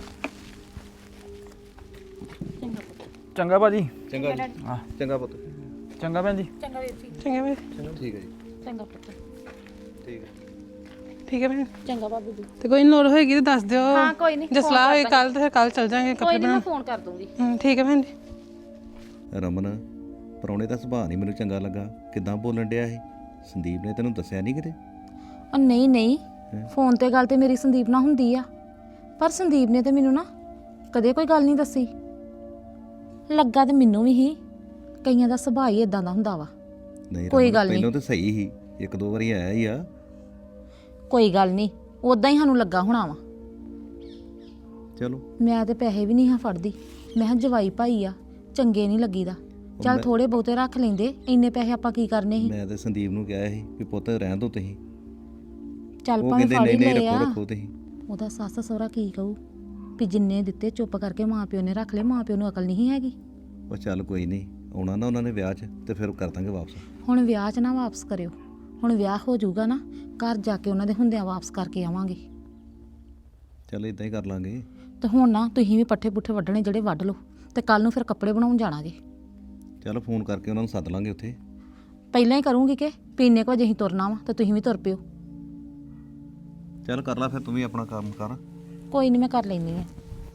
[SPEAKER 2] ਚੰਗਾ ਭਾਜੀ।
[SPEAKER 6] ਚੰਗਾ ਜੀ, ਚੰਗਾ ਪੁੱਤ।
[SPEAKER 2] ਚੰਗਾ ਭੈਣ ਜੀ।
[SPEAKER 5] ਚੰਗਾ ਵੀਰ ਜੀ।
[SPEAKER 1] ਚੰਗਾ ਭੈਣ,
[SPEAKER 6] ਠੀਕ ਹੈ ਜੀ,
[SPEAKER 5] ਚੰਗਾ ਪੁੱਤ।
[SPEAKER 6] ਠੀਕ ਹੈ।
[SPEAKER 1] ਠੀਕ ਹੈ ਭੈਣ।
[SPEAKER 5] ਚੰਗਾ ਭਾਬੀ ਜੀ।
[SPEAKER 1] ਤੇ ਕੋਈ ਨੀ, ਲੋੜ ਹੋਏਗੀ ਤੇ ਦੱਸ ਦਿਓ।
[SPEAKER 5] ਹਾਂ ਕੋਈ ਨਹੀਂ,
[SPEAKER 1] ਜੇ ਸਲਾਹ ਹੋਈ ਕੱਲ ਤੇ ਫਿਰ ਕੱਲ ਚੱਲ ਜਾਾਂਗੇ
[SPEAKER 5] ਕੋਈ
[SPEAKER 1] ਕੱਪੜੇ
[SPEAKER 5] ਨਹੀਂ, ਮੈਂ
[SPEAKER 1] ਬਣਾਉਣ।
[SPEAKER 5] ਫੋਨ ਕਰ ਦੂੰਗੀ।
[SPEAKER 1] ਠੀਕ ਹੈ ਭੈਣ ਜੀ।
[SPEAKER 6] ਰਮਨ, ਪਰੌਣੇ ਦਾ ਸੁਭਾਅ ਨਹੀਂ ਮੈਨੂੰ ਚੰਗਾ ਲੱਗਾ, ਕਿਦਾਂ ਬੋਲਣ ਡਿਆ ਇਹ? ਸੰਦੀਪ ਨੇ ਤੈਨੂੰ ਦੱਸਿਆ ਨਹੀਂ ਕਿਤੇ?
[SPEAKER 5] ਉਹ ਨਹੀਂ ਨਹੀਂ, ਫੋਨ ਤੇ ਗੱਲ ਤੇ ਮੇਰੀ ਸੰਦੀਪ ਨਾਲ ਹੁੰਦੀ ਆ, ਪਰ ਸੰਦੀਪ ਨੇ ਤੇ ਮੈਨੂੰ ਨਾ ਕਦੇ ਕੋਈ ਗੱਲ ਨਹੀਂ ਦੱਸੀ। ਲੱਗਾ ਤੇ ਮੈਨੂੰ ਵੀ ਹੀ, ਕਈਆਂ ਦਾ ਸੁਭਾਅ ਹੀ ਇਦਾਂ ਦਾ ਹੁੰਦਾ ਵਾ।
[SPEAKER 6] ਨਹੀਂ
[SPEAKER 5] ਕੋਈ
[SPEAKER 6] ਰਮਨ,
[SPEAKER 5] ਗੱਲ ਨਹੀਂ।
[SPEAKER 6] ਪਹਿਲਾਂ ਤਾਂ ਸਹੀ ਸੀ, 1-2 ਵਾਰੀ ਆਇਆ ਹੀ ਆ।
[SPEAKER 5] ਕੋਈ ਗੱਲ ਨਹੀਂ, ਉਦਾਂ ਹੀ ਸਾਨੂੰ ਲੱਗਾ ਹੋਣਾ ਵਾ।
[SPEAKER 6] ਚਲੋ
[SPEAKER 5] ਮੈਂ ਤੇ ਪੈਸੇ ਵੀ ਨਹੀਂ ਹਾਂ ਫੜਦੀ। ਮੈਂ ਕਿਹਾ ਜਵਾਈ ਭਾਈ ਆ, ਚੰਗੇ ਨਹੀਂ ਲੱਗੀਦਾ। ਚੱਲ ਥੋੜੇ ਬਹੁਤੇ ਰੱਖ ਲੈਂਦੇ, ਇੰਨੇ ਪੈਸੇ ਆਪਾਂ ਕੀ ਕਰਨੇ ਸੀ।
[SPEAKER 6] ਮੈਂ ਤੇ ਸੰਦੀਪ ਨੂੰ ਕਿਹਾ ਸੀ ਵੀ ਪੁੱਤ ਰਹਿਣ ਦੋ ਤੁਸੀਂ,
[SPEAKER 5] ਚੱਲ
[SPEAKER 6] ਉਹ
[SPEAKER 5] ਭਾਵੇਂ
[SPEAKER 6] ਕਹਿੰਦੇ
[SPEAKER 5] ਫੜ ਹੀ
[SPEAKER 6] ਨਹੀਂ
[SPEAKER 5] ਲਏ ਆ।
[SPEAKER 6] ਰੱਖੋ ਤੁਸੀਂ।
[SPEAKER 5] ਉਹਦਾ ਸੱਸ ਸਹੁਰਾ ਕੀ ਕਹੂ ਵੀ ਜਿੰਨੇ ਦਿੱਤੇ ਚੁੱਪ ਕਰਕੇ ਮਾਂ ਪਿਓ ਨੇ ਰੱਖ ਲਏ, ਮਾਂ ਪਿਓ ਨੂੰ ਅਕਲ ਨਹੀਂ ਹੈਗੀ।
[SPEAKER 6] ਉਹ ਚੱਲ ਕੋਈ ਨਹੀਂ, ਆਉਣਾ ਨਾ ਉਹਨਾਂ ਨੇ ਵਿਆਹ 'ਚ ਤੇ ਫਿਰ ਕਰ ਦਾਂਗੇ ਵਾਪਸ।
[SPEAKER 5] ਹੁਣ ਵਿਆਹ 'ਚ ਨਾ ਵਾਪਸ ਕਰਿਓ, ਹੁਣ ਵਿਆਹ ਹੋ ਜਾਊਗਾ ਨਾ, ਘਰ ਜਾ ਕੇ ਉਹਨਾਂ ਦੇ ਹੁੰਦਿਆਂ ਵਾਪਸ ਕਰਕੇ ਆਵਾਂਗੇ।
[SPEAKER 6] ਚੱਲ ਇਦਾਂ ਹੀ ਕਰ ਲਾਂਗੇ।
[SPEAKER 5] ਤੇ ਹੁਣ ਨਾ ਤੁਸੀਂ ਵੀ ਪੱਠੇ ਪੁੱਠੇ ਵੱਢਣੇ ਜਿਹੜੇ ਵੱਢ ਲਓ, ਤੇ ਕੱਲ ਨੂੰ ਫਿਰ ਕੱਪੜੇ ਬਣਾਉਣ ਜਾਣਾ ਜੇ।
[SPEAKER 6] ਚੱਲ ਫੋਨ ਕਰਕੇ ਉਹਨਾਂ ਨੂੰ ਸੱਦ ਲਾਂਗੇ ਉੱਥੇ।
[SPEAKER 5] ਪਹਿਲਾਂ ਹੀ ਕਰੂੰਗੀ ਕਿ ਪੀਨੇ ਕੋ ਅਸੀਂ ਤੁਰਨਾ ਵਾ ਤੇ ਤੁਸੀਂ ਵੀ ਤੁਰ ਪਿਓ।
[SPEAKER 6] ਚੱਲ ਕਰ ਲੈ ਫਿਰ ਤੂੰ ਵੀ ਆਪਣਾ ਕੰਮ ਕਰ।
[SPEAKER 5] ਕੋਈ ਨਹੀਂ, ਮੈਂ ਕਰ ਲੈਂਦੀ ਆ।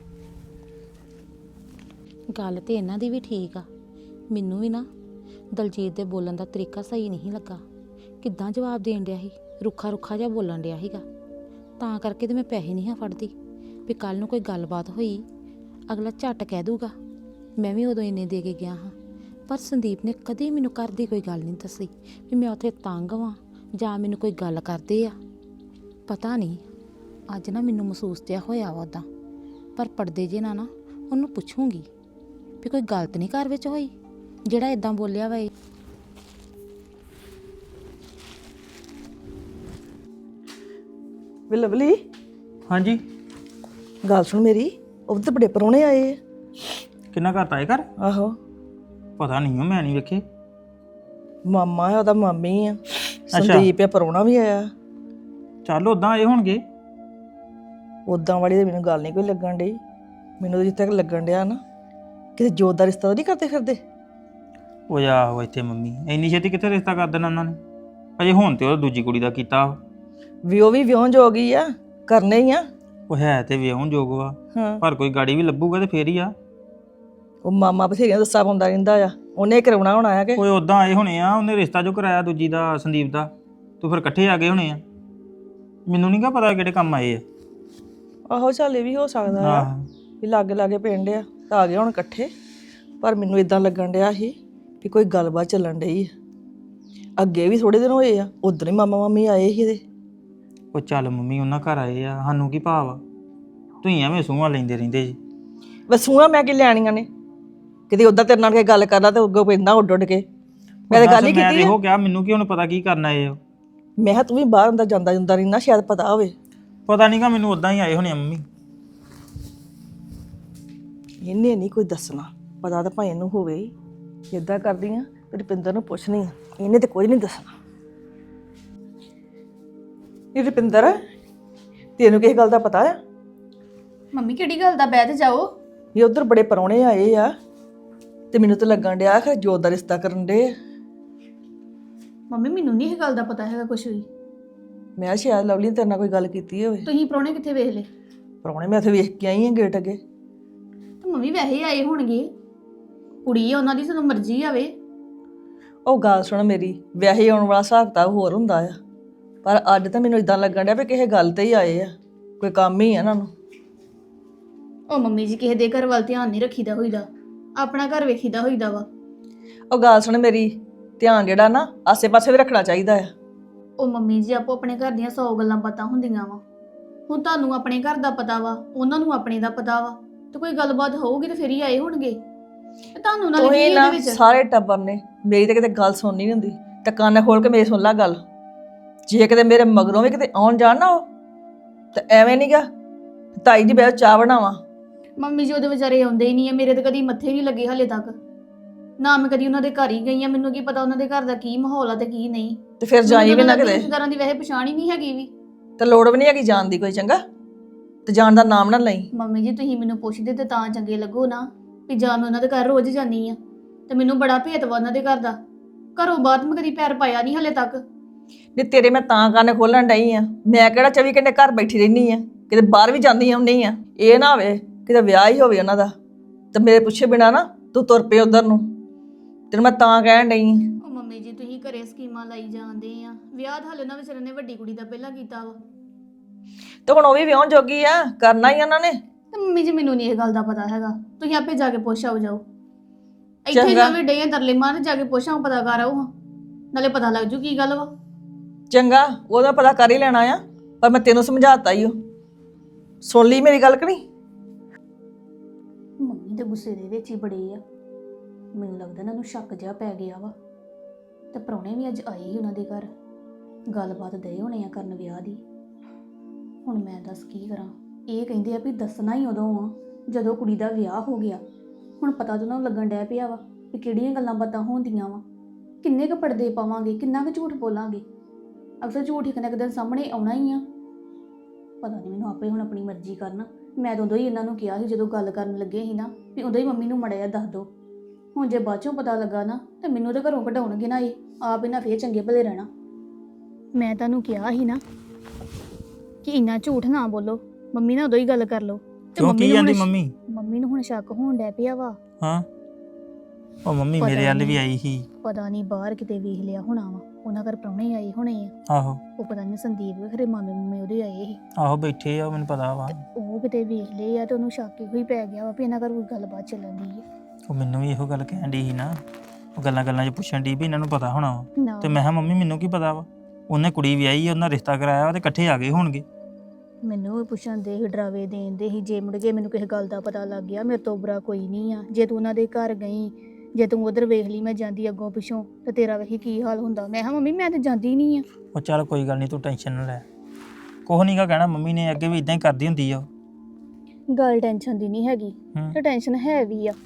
[SPEAKER 5] ਗੱਲ ਤੇ ਇਹਨਾਂ ਦੀ ਵੀ ਠੀਕ ਆ, ਮੈਨੂੰ ਵੀ ਨਾ ਦਲਜੀਤ ਦੇ ਬੋਲਣ ਦਾ ਤਰੀਕਾ ਸਹੀ ਨਹੀਂ ਲੱਗਾ। ਕਿੱਦਾਂ ਜਵਾਬ ਦੇਣ ਡਿਆ ਸੀ, ਰੁੱਖਾ ਰੁੱਖਾ ਜਿਹਾ ਬੋਲਣ ਡਿਆ ਸੀਗਾ। ਤਾਂ ਕਰਕੇ ਤੇ ਮੈਂ ਪੈਸੇ ਨਹੀਂ ਹਾਂ ਫੜਦੀ ਵੀ ਕੱਲ ਨੂੰ ਕੋਈ ਗੱਲਬਾਤ ਹੋਈ ਅਗਲਾ ਝੱਟ ਕਹਿ ਦੂਗਾ ਮੈਂ ਵੀ ਉਦੋਂ ਇੰਨੇ ਦੇ ਕੇ ਗਿਆ ਹਾਂ। ਪਰ ਸੰਦੀਪ ਨੇ ਕਦੇ ਮੈਨੂੰ ਘਰ ਦੀ ਕੋਈ ਗੱਲ ਨਹੀਂ ਦੱਸੀ ਵੀ ਮੈਂ ਉੱਥੇ ਤੰਗ ਵਾਂ ਜਾਂ ਮੈਨੂੰ ਕੋਈ ਗੱਲ ਕਰਦੇ ਆ। ਪਤਾ ਨਹੀਂ ਅੱਜ ਨਾ ਮੈਨੂੰ ਮਹਿਸੂਸ ਜਿਹਾ ਹੋਇਆ ਵਾ ਉੱਦਾਂ। ਪਰ ਪਰਦੇ ਜੇ ਨਾ ਉਹਨੂੰ ਪੁੱਛੂੰਗੀ ਵੀ ਕੋਈ ਗਲਤ ਨਹੀਂ ਘਰ ਵਿੱਚ ਹੋਈ ਜਿਹੜਾ ਇਦਾਂ ਬੋਲਿਆ ਵਾ ਇਹ।
[SPEAKER 7] ਵੇ ਲਵਲੀ,
[SPEAKER 3] ਹਾਂਜੀ,
[SPEAKER 7] ਗੱਲ ਸੁਣ ਮੇਰੀ, ਉਹ ਤਾਂ ਬੜੇ ਪ੍ਰਾਹੁਣੇ ਆਏ ਆ।
[SPEAKER 3] ਕਿੰਨਾ ਘਰ ਤਾਏ ਘਰ?
[SPEAKER 7] ਆਹੋ,
[SPEAKER 3] ਪਤਾ ਨਹੀਂ ਮੈਂ ਨਹੀਂ ਵੇਖੇ।
[SPEAKER 7] ਮਾਮਾ ਆ, ਉਹਦਾ ਮਾਮੀ ਆ, ਸੰਦੀਪ ਆ, ਪ੍ਰਾਹੁਣਾ ਵੀ ਆਇਆ।
[SPEAKER 3] ਚੱਲ ਉਦਾਂ ਆਏ ਹੋਣਗੇ।
[SPEAKER 7] ਉਦਾਂ ਵਾਲੀ ਤਾਂ ਮੈਨੂੰ ਗੱਲ ਨਹੀਂ ਕੋਈ ਲੱਗਣ ਡਈ। ਮੈਨੂੰ ਤਾਂ ਜਿੱਥੇ ਤੱਕ ਲੱਗਣ ਡਿਆ ਨਾ, ਕਿਤੇ ਜੋਤ ਦਾ ਰਿਸ਼ਤਾ ਤਾਂ ਨਹੀਂ ਕਰਦੇ ਫਿਰਦੇ।
[SPEAKER 3] ਉਹ ਆਹੋ ਇੱਥੇ ਮੰਮੀ ਇੰਨੀ ਛੇਤੀ ਕਿੱਥੇ ਰਿਸ਼ਤਾ ਕਰ ਦੇਣਾ ਉਹਨਾਂ ਨੇ? ਅਜੇ ਹੁਣ ਤੇ ਉਹ ਦੂਜੀ ਕੁੜੀ ਦਾ ਕੀਤਾ।
[SPEAKER 7] ਵੀ ਉਹ ਵੀ ਵਿਆਹੁਣ ਜੋਗ ਹੀ ਆ, ਕਰਨੇ ਹੀ ਆ।
[SPEAKER 3] ਉਹ ਹੈ ਤੇ ਵਿਆਹੁਣ ਯੋਗ ਵਾ,
[SPEAKER 7] ਹਾਂ,
[SPEAKER 3] ਪਰ ਕੋਈ ਗਾੜੀ ਵੀ ਲੱਭੂਗਾ ਤੇ ਫੇਰ ਹੀ ਆ।
[SPEAKER 7] ਉਹ ਮਾਮਾ ਬਥੇਰੀਆਂ ਦੱਸਾ ਪਾਉਂਦਾ ਰਹਿੰਦਾ ਆ, ਉਹਨੇ ਕਰਾਉਣਾ ਹੋਣਾ ਆ ਕਿ
[SPEAKER 3] ਓਏ ਉਦਾਂ ਆਏ ਹੋਣੇ ਆ, ਉਹਨੇ ਰਿਸ਼ਤਾ ਜੋ ਕਰਾਇਆ ਦੂਜੀ ਦਾ, ਸੰਦੀਪ ਦਾ, ਤੂੰ ਫਿਰ ਇਕੱਠੇ ਆ ਗਏ ਹੋਣੇ ਆ। ਮੈਨੂੰ ਨਹੀਂ ਗਾ ਪਤਾ ਕਿਹੜੇ ਕੰਮ ਆਏ ਆ।
[SPEAKER 7] ਆਹੋ ਚੱਲ ਇਹ ਵੀ ਹੋ ਸਕਦਾ ਆ
[SPEAKER 3] ਆਹ
[SPEAKER 7] ਵੀ ਲਾਗੇ ਲਾਗੇ ਪਿੰਡ ਆ ਤਾਂ ਆ ਗਏ ਹੁਣ ਇਕੱਠੇ। ਪਰ ਮੈਨੂੰ ਇਦਾਂ ਲੱਗਣ ਡਿਆ ਸੀ ਵੀ ਕੋਈ ਗੱਲਬਾਤ ਚੱਲਣ ਡਈ ਆ। ਅੱਗੇ ਵੀ ਥੋੜੇ ਦਿਨ ਹੋਏ ਆ, ਉਦੋਂ ਹੀ ਮਾਮਾ ਮਾਮੀ ਆਏ ਸੀ ਇਹਦੇ।
[SPEAKER 3] ਉਹ ਚੱਲ ਮੰਮੀ ਉਹਨਾਂ ਘਰ ਆਏ ਆ, ਸਾਨੂੰ ਕੀ ਭਾਵ ਆ? ਤੁਸੀਂ ਐਵੇਂ ਸੂਹਾਂ ਲੈਂਦੇ ਰਹਿੰਦੇ ਜੀ।
[SPEAKER 7] ਵਸੂਆ ਮੈਂ ਕੀ ਲੈਣੀਆਂ ਨੇ? ਕਿਤੇ ਉਦਾਂ ਤੇਰੇ ਨਾਲ ਕੋਈ ਗੱਲ ਕਰਦਾ ਤੇ ਅੱਗੋਂ ਪੈਂਦਾ ਉੱਡ ਉੱਡ ਕੇ। ਮੈਂ ਤਾਂ ਗੱਲ ਹੀ
[SPEAKER 3] ਮੈਂ
[SPEAKER 7] ਕੀਤੀ
[SPEAKER 3] ਤੇ
[SPEAKER 7] ਆ।
[SPEAKER 3] ਉਹ ਕਿਹਾ ਮੈਨੂੰ ਕੀ ਹੁਣ ਪਤਾ ਕੀ ਕਰਨਾ ਇਹ।
[SPEAKER 7] ਮੈਂ ਕਿਹਾ ਤੂੰ ਵੀ ਬਾਹਰ ਅੰਦਰ ਜਾਂਦਾ ਜਾਂਦਾ ਰਹਿੰਦਾ, ਸ਼ਾਇਦ ਪਤਾ ਹੋਵੇ।
[SPEAKER 3] ਪਤਾ ਨਹੀਂਗਾ ਮੈਨੂੰ, ਉਦਾਂ ਹੀ ਆਏ ਹੋਣੇ ਆ ਮੰਮੀ।
[SPEAKER 7] ਇਹਨੇ ਨਹੀਂ ਕੋਈ ਦੱਸਣਾ, ਪਤਾ ਤਾਂ ਭਾਵੇਂ ਇਹਨੂੰ ਹੋਵੇ ਹੀ। ਇੱਦਾਂ ਕਰਦੀ ਆ ਤੇ ਰੁਪਿੰਦਰ ਨੂੰ ਪੁੱਛਣੀ ਆ, ਇਹਨੇ ਤੇ ਕੋਈ ਨਹੀਂ ਦੱਸਣਾ। ਇਹ ਰੁਪਿੰਦਰ, ਤੈਨੂੰ ਕਿਸ ਗੱਲ ਦਾ ਪਤਾ ਆ?
[SPEAKER 8] ਮੰਮੀ ਕਿਹੜੀ ਗੱਲ ਦਾ? ਬਹਿ ਤੇ ਜਾਓ।
[SPEAKER 7] ਇਹ ਉਧਰ ਬੜੇ ਪਰੌਣੇ ਆਏ ਆ ਤੇ ਮੈਨੂੰ ਤਾਂ ਲੱਗਣ ਡਿਆ ਕਿ ਜੋਤ ਦਾ ਰਿਸ਼ਤਾ ਕਰਨ ਦੇ।
[SPEAKER 8] ਮੰਮੀ ਮੈਨੂੰ ਨਹੀਂ ਇਹ ਗੱਲ ਦਾ ਪਤਾ ਹੈਗਾ ਕੁਛ ਵੀ।
[SPEAKER 7] ਮੈਂ ਕਿਹਾ ਸ਼ਾਇਦ ਲਵਲੀ ਨੇ ਤੇਰੇ ਨਾਲ ਕੋਈ ਗੱਲ ਕੀਤੀ ਹੋਵੇ।
[SPEAKER 8] ਤੁਸੀਂ ਪ੍ਰਾਹੁਣੇ ਕਿੱਥੇ ਵੇਖ ਲਏ?
[SPEAKER 7] ਪਰੌਣੇ ਮੈਂ ਉੱਥੇ ਵੇਖ ਕੇ ਆਈ ਆ ਗੇਟ ਅੱਗੇ।
[SPEAKER 8] ਤੇ ਮੰਮੀ ਵੈਸੇ ਹੀ ਆਏ ਹੋਣਗੇ, ਕੁੜੀ ਆ ਉਹਨਾਂ ਦੀ, ਸਾਨੂੰ ਮਰਜ਼ੀ ਆਵੇ।
[SPEAKER 7] ਉਹ ਗੱਲ ਸੁਣ ਮੇਰੀ, ਵਿਆਹੇ ਆਉਣ ਵਾਲਾ ਹਿਸਾਬ ਕਿਤਾਬ ਹੋਰ ਹੁੰਦਾ ਆ। ਪਰ ਅੱਜ ਤਾਂ ਮੈਨੂੰ ਇਦਾਂ ਲੱਗਣ ਡਿਆ ਵੀ ਕਿਸੇ ਗੱਲ ਤੇ ਹੀ ਆਏ ਆ, ਕੋਈ ਕੰਮ ਹੀ ਆ ਇਹਨਾਂ ਨੂੰ।
[SPEAKER 8] ਉਹ ਮੰਮੀ ਜੀ ਕਿਸੇ ਦੇ ਘਰ ਵੱਲ ਧਿਆਨ ਨਹੀਂ ਰੱਖੀਦਾ ਹੋਈਦਾ, ਆਪਣਾ ਘਰ ਵੇਖੀਦਾ ਹੋਈਦਾ ਵਾ।
[SPEAKER 7] ਉਹ ਗੱਲ ਸੁਣ ਮੇਰੀ, ਧਿਆਨ ਜਿਹੜਾ ਨਾ ਆਸੇ-ਪਾਸੇ ਵੀ ਰੱਖਣਾ ਚਾਹੀਦਾ ਆ।
[SPEAKER 8] ਉਹ ਮੰਮੀ ਜੀ ਆਪੋ ਆਪਣੇ ਘਰ ਦੀਆਂ 100 ਗੱਲਾਂ ਪਤਾ ਹੁੰਦੀਆਂ ਵਾ। ਹੁਣ ਤੁਹਾਨੂੰ ਆਪਣੇ ਘਰ ਦਾ ਪਤਾ ਵਾ, ਉਹਨਾਂ ਨੂੰ ਆਪਣੇ ਦਾ ਪਤਾ ਵਾ, ਤੇ ਕੋਈ ਗੱਲਬਾਤ ਹੋਊਗੀ ਤੇ ਫਿਰ ਹੀ ਆਏ ਹੋਣਗੇ। ਤੇ ਤੁਹਾਨੂੰ ਨਾਲ ਕੀ
[SPEAKER 7] ਤੁਸੀਂ ਨਾ
[SPEAKER 8] ਇਹਦੇ ਵਿੱਚ?
[SPEAKER 7] ਸਾਰੇ ਟੱਬਰ ਨੇ ਮੇਰੀ ਤਾਂ ਕਿਤੇ ਗੱਲ ਸੁਣਨੀ ਨਹੀਂ ਹੁੰਦੀ, ਤੇ ਕੰਨ ਖੋਲ ਕੇ ਮੇਰੀ ਸੁਣ ਲੈ ਗੱਲ। ਜੇ ਕਿਤੇ ਮੇਰੇ ਮਗਰੋਂ ਵੀ ਕਿਤੇ ਆਉਣ ਜਾਣ ਨਾ ਉਹ, ਤੇ ਐਵੇਂ ਨਹੀਂਗਾ ਤਾਈ ਜੀ ਬੈਠ ਚਾਹ ਬਣਾਵਾਂ।
[SPEAKER 8] ਮੰਮੀ ਜੀ ਉਹਦੇ ਵਿਚਾਰੇ ਆਉਂਦੇ ਹੀ ਨਹੀਂ ਆ, ਮੇਰੇ ਤੇ ਕਦੀ ਮੱਥੇ ਨਹੀਂ ਲੱਗੇ ਹਲੇ ਤੱਕ। ਨਾ ਮੈਂ ਕਦੀ ਉਹਨਾਂ ਦੇ ਘਰ ਹੀ ਗਈ ਆ, ਮੈਨੂੰ ਕੀ ਪਤਾ ਉਹਨਾਂ ਦੇ ਘਰ ਦਾ ਕੀ ਮਾਹੌਲ ਆ ਤੇ ਕੀ ਨਹੀਂ।
[SPEAKER 7] ਤੇ ਫਿਰ ਜਾਈ ਵੀ ਨਾ ਕਿਤੇ,
[SPEAKER 8] ਰਿਸ਼ਤੇਦਾਰਾਂ ਦੀ ਵੈਸੇ ਪਛਾਣ ਹੀ ਨਹੀਂ ਹੈਗੀ ਵੀ।
[SPEAKER 7] ਤੇ ਲੋੜ ਵੀ ਨਹੀਂ ਹੈਗੀ ਜਾਣ ਦੀ ਕੋਈ, ਚੰਗਾ? ਤੇ ਜਾਣ ਦਾ ਨਾਮ ਨਾ ਲਈ।
[SPEAKER 8] ਮੰਮੀ ਜੀ ਤੁਸੀਂ ਮੈਨੂੰ ਪੁੱਛਦੇ ਤੇ ਤਾਂ ਚੰਗੇ ਲੱਗੋ ਨਾ, ਵੀ ਜਾਂ ਮੈਂ ਉਹਨਾਂ ਦੇ ਘਰ ਰੋਜ਼ ਜਾਂਦੀ ਆ, ਤੇ ਮੈਨੂੰ ਬੜਾ ਭੇਤ ਵਾ ਉਹਨਾਂ ਦੇ ਘਰ ਦਾ। ਘਰੋਂ ਬਾਅਦ ਮੈਂ ਕਦੀ ਪੈਰ ਪਾਇਆ ਨਹੀਂ ਹਲੇ ਤੱਕ।
[SPEAKER 7] ਨਹੀਂ ਤੇਰੇ ਮੈਂ ਤਾਂ ਕੰਨ ਖੋਲਣ ਡਈ ਆ, ਮੈਂ ਕਿਹੜਾ 24 ਘੰਟੇ ਘਰ ਬੈਠੀ ਰਹਿਨੀ ਆ, ਕਿਤੇ ਬਾਹਰ ਵੀ ਜਾਂਦੀ ਆਉਂਦੀ ਆ। ਇਹ ਨਾ ਹੋਵੇ ਕਿਤੇ ਵਿਆਹ ਹੀ ਹੋਵੇ ਉਹਨਾਂ ਦਾ ਤੇ ਮੇਰੇ ਪੁੱਛੇ ਬਿਨਾ ਨਾ ਤੂੰ ਤੁਰ ਪਏ ਉਧਰ ਨੂੰ। ਤੈਨੂੰ ਮੈਂ ਤਾਂ ਕਹਿਣ ਡਈ ਆ।
[SPEAKER 8] ਉਹ ਮੰਮੀ ਜੀ ਤੁਸੀਂ ਘਰੇ ਸਕੀਮਾਂ ਲਾਈ ਜਾਂਦੇ ਆ, ਵਿਆਹ ਤਾਂ ਹਲੇ ਉਹਨਾਂ ਵਿਚਾਰੇ ਨੇ ਵੱਡੀ ਕੁੜੀ ਦਾ ਪਹਿਲਾਂ ਕੀਤਾ ਵਾ।
[SPEAKER 7] ਤੇ ਹੁਣ ਉਹ ਵੀ ਵਿਆਹੁਣ ਜੋਗੀ ਆ, ਕਰਨਾ ਹੀ ਉਹਨਾਂ ਨੇ।
[SPEAKER 8] ਤੇ ਮੰਮੀ ਜੀ ਮੈਨੂੰ ਨਹੀਂ ਇਹ ਗੱਲ ਦਾ ਪਤਾ ਹੈਗਾ, ਤੁਸੀਂ ਆਪੇ ਜਾ ਕੇ ਪੁੱਛ ਆਓ ਜਾਓ। ਇੱਥੇ
[SPEAKER 7] ਚੰਗਾ।
[SPEAKER 8] ਜਾਵੇਂ ਡੇ ਤਰਲੇ ਮਾਰ, ਜਾ ਕੇ ਪੁੱਛ ਆਓ, ਪਤਾ ਕਰ ਆਓ ਹਾਂ, ਨਾਲੇ ਪਤਾ ਲੱਗ ਜੂ ਕੀ ਗੱਲ ਵਾ।
[SPEAKER 7] ਚੰਗਾ, ਉਹਦਾ ਪਤਾ ਕਰ ਹੀ ਲੈਣਾ ਆ, ਪਰ ਮੈਂ ਤੈਨੂੰ ਸਮਝਾਤਾ ਹੀ ਉਹ। ਸੁਣ ਲਈ ਮੇਰੀ ਗੱਲ ਕਿ ਨਹੀਂ?
[SPEAKER 8] ਮੰਮੀ ਦੇ ਗੁੱਸੇ ਦੇ ਵਿੱਚ ਹੀ ਬੜੇ ਆ। ਮੈਨੂੰ ਲੱਗਦਾ ਇਹਨਾਂ ਨੂੰ ਸ਼ੱਕ ਜਿਹਾ ਪੈ ਗਿਆ ਵਾ। ਤੇ ਪ੍ਰਾਹੁਣੇ ਵੀ ਅੱਜ ਆਏ ਹੀ ਉਹਨਾਂ ਦੇ ਘਰ, ਗੱਲਬਾਤ ਦੇ ਹੋਣੇ ਆ ਕਰਨ ਵਿਆਹ ਦੀ। ਹੁਣ ਮੈਂ ਦੱਸ ਕੀ ਕਰਾਂ। ਇਹ ਕਹਿੰਦੇ ਆ ਵੀ ਦੱਸਣਾ ਹੀ ਉਦੋਂ ਆ ਜਦੋਂ ਕੁੜੀ ਦਾ ਵਿਆਹ ਹੋ ਗਿਆ। ਹੁਣ ਪਤਾ ਤਾਂ ਉਹਨਾਂ ਨੂੰ ਲੱਗਣ ਡਿਆ ਪਿਆ ਵਾ ਵੀ ਕਿਹੜੀਆਂ ਗੱਲਾਂ ਬਾਤਾਂ ਹੁੰਦੀਆਂ ਵਾ। ਕਿੰਨੇ ਕੁ ਪਰਦੇ ਪਾਵਾਂਗੇ, ਕਿੰਨਾ ਕੁ ਝੂਠ ਬੋਲਾਂਗੇ। ਅਕਸਰ ਝੂਠ ਇੱਕ ਨਾ ਇੱਕ ਦਿਨ ਸਾਹਮਣੇ ਆਉਣਾ ਹੀ ਆ। ਪਤਾ ਨਹੀਂ, ਮੈਨੂੰ ਆਪੇ ਹੁਣ ਆਪਣੀ ਮਰਜ਼ੀ ਕਰਨਾ। ਮੈਂ ਤਾਂ ਉਦੋਂ ਹੀ ਇਹਨਾਂ ਨੂੰ ਕਿਹਾ ਸੀ ਜਦੋਂ ਗੱਲ ਕਰਨ ਲੱਗੇ ਸੀ ਨਾ ਵੀ ਉਦੋਂ ਹੀ ਮੰਮੀ ਨੂੰ ਮੜਿਆ ਦੱਸ ਦਿਓ। ਹੁਣ ਜੇ ਬਾਅਦ ਚੋਂ ਪਤਾ ਲੱਗਾ ਨਾ ਤਾਂ ਮੈਨੂੰ ਤਾਂ ਘਰੋਂ ਕਢਾਉਣਗੇ ਨਾ। ਇਹ ਆਪ ਇਹਨਾਂ ਫੇਰ ਚੰਗੇ ਭਲੇ ਰਹਿਣਾ। ਮੈਂ ਤੁਹਾਨੂੰ ਕਿਹਾ ਸੀ ਨਾ ਕਿ ਇੰਨਾ ਝੂਠ ਨਾ ਬੋਲੋ। ਮੰਮੀ ਨਾਲ ਉਦੋਂ ਹੀ ਗੱਲ ਕਰ ਲਓ। ਤੇ
[SPEAKER 3] ਕਿਉਂ ਕੀ
[SPEAKER 8] ਨੂੰ
[SPEAKER 3] ਜਾਂਦੀ
[SPEAKER 8] ਹੁਣ
[SPEAKER 3] ਮੰਮੀ
[SPEAKER 8] ਨੂੰ ਹੁਣ ਸ਼ੱਕ ਹੋਣ ਡਿਆ ਪਿਆ ਵਾ।
[SPEAKER 3] ਹਾਂ ਉਹ ਮੰਮੀ
[SPEAKER 8] ਪਤਾ
[SPEAKER 3] ਮੇਰੇ ਵੱਲ ਵੀ
[SPEAKER 8] ਨਹੀਂ।
[SPEAKER 3] ਆਈ ਸੀ।
[SPEAKER 8] ਪਤਾ ਨਹੀਂ ਬਾਹਰ ਕਿਤੇ ਵੇਖ ਲਿਆ ਹੋਣਾ ਵਾ। ਉਹਨਾਂ ਘਰ ਪ੍ਰਾਹੁਣੇ ਆਏ ਹੋਣੇ ਆ।
[SPEAKER 3] ਆਹੋ
[SPEAKER 8] ਉਹ ਪਤਾ ਨਹੀਂ ਸੰਦੀਪ ਦੇ ਖਰੇ ਮਾਮੇ ਉਹਦੇ ਆਏ ਸੀ।
[SPEAKER 3] ਆਹੋ ਬੈਠੇ ਆ, ਮੈਨੂੰ ਪਤਾ ਵਾ।
[SPEAKER 8] ਉਹ ਕਿਤੇ ਵੇਖ ਲਏ ਆ ਤੇ ਉਹਨੂੰ ਸ਼ੱਕ ਹੀ ਪੈ ਗਿਆ ਵਾ ਵੀ ਇਹਨਾਂ ਘਰ ਕੋਈ ਗੱਲਬਾਤ ਚੱਲਣ ਦੀ ਹੈ।
[SPEAKER 3] ਉਹ ਮੈਨੂੰ ਵੀ ਇਹੋ ਗੱਲ ਕਹਿਣ ਡਈ ਸੀ ਨਾ। ਉਹ ਗੱਲਾਂ 'ਚ ਪੁੱਛਣ ਡਈ ਵੀ ਇਹਨਾਂ ਨੂੰ ਪਤਾ ਹੋਣਾ ਵਾ।
[SPEAKER 8] ਨਾ
[SPEAKER 3] ਤੇ ਮੈਂ ਕਿਹਾ ਮੰਮੀ ਮੈਨੂੰ ਕੀ ਪਤਾ ਵਾ। ਉਹਨੇ ਕੁੜੀ ਵਿਆਹੀ, ਉਹਨਾਂ ਰਿਸ਼ਤਾ ਕਰਾਇਆ ਵਾ ਤੇ ਇਕੱਠੇ ਆ ਗਏ ਹੋਣਗੇ।
[SPEAKER 8] ਮੈਨੂੰ ਵੀ ਪੁੱਛਣ ਦੇ ਸੀ, ਡਰਾਵੇ ਦੇਣ ਦੇ ਸੀ। ਜੇ ਮੁੜ ਕੇ ਮੈਨੂੰ ਕਿਸੇ ਗੱਲ ਦਾ ਪਤਾ ਲੱਗ ਗਿਆ ਮੇਰੇ ਤੋਂ ਬੁਰਾ ਕੋਈ ਨਹੀਂ ਆ। ਜੇ ਤੂੰ ਉਹਨਾਂ ਦੇ ਘਰ ਗਈ, ਜੇ ਤੂੰ ਉਧਰ ਵੇਖ ਲਈ ਮੈਂ ਜਾਂਦੀ ਅੱਗੋਂ ਪਿੱਛੋਂ, ਤੇ ਤੇਰਾ ਵੇਖੀ ਕੀ ਹਾਲ ਹੁੰਦਾ। ਮੈਂ ਕਿਹਾ ਮੰਮੀ ਮੈਂ ਤਾਂ ਜਾਂਦੀ ਨਹੀਂ ਆ।
[SPEAKER 3] ਉਹ ਚੱਲ ਕੋਈ ਗੱਲ ਨਹੀਂ, ਤੂੰ ਟੈਨਸ਼ਨ ਨਾ ਲੈ। ਕੁਛ ਨਹੀਂ ਗਾ ਕਹਿਣਾ ਮੰਮੀ ਨੇ, ਅੱਗੇ ਵੀ ਇਦਾਂ ਹੀ ਕਰਦੀ ਹੁੰਦੀ ਆ ਉਹ।
[SPEAKER 8] ਗੱਲ ਟੈਨਸ਼ਨ ਦੀ ਨਹੀਂ ਹੈਗੀ
[SPEAKER 3] ਹੂੰ।
[SPEAKER 8] ਤੇ ਟੈਨਸ਼ਨ ਹੈ ਵੀ ਆ।